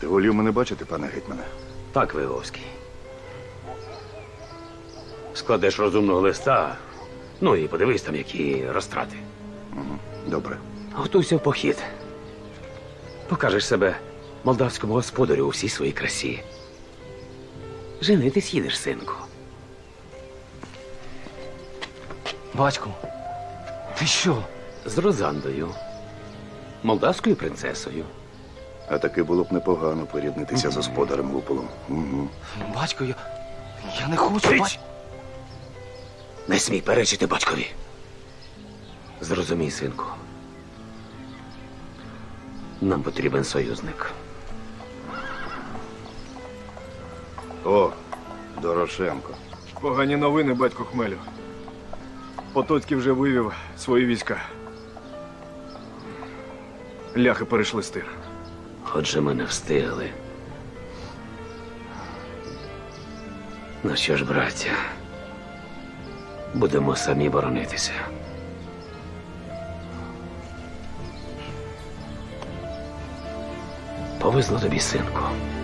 Ти волів мене бачити, пане гетьмане? Так, Виговський. Складеш розумного листа, ну і подивись там, які розтрати. Добре. Готуйся в похід. Покажеш себе молдавському господарю у всій своїй красі. Женитись їдеш, синку. Батьку, ти що? З Розандою, молдавською принцесою. А таки було б непогано поріднитися з господарем Луполом. Угу. Батько, я не хочу. Цить! Не смій перечити батькові. Зрозумій, синку. Нам потрібен союзник. О, Дорошенко. Погані новини, батько Хмелю. Потоцький вже вивів свої війська. Ляхи перейшли стир. Отже, ми не встигли. Ну що ж, браття, будемо самі боронитися. Повезло тобі, синку.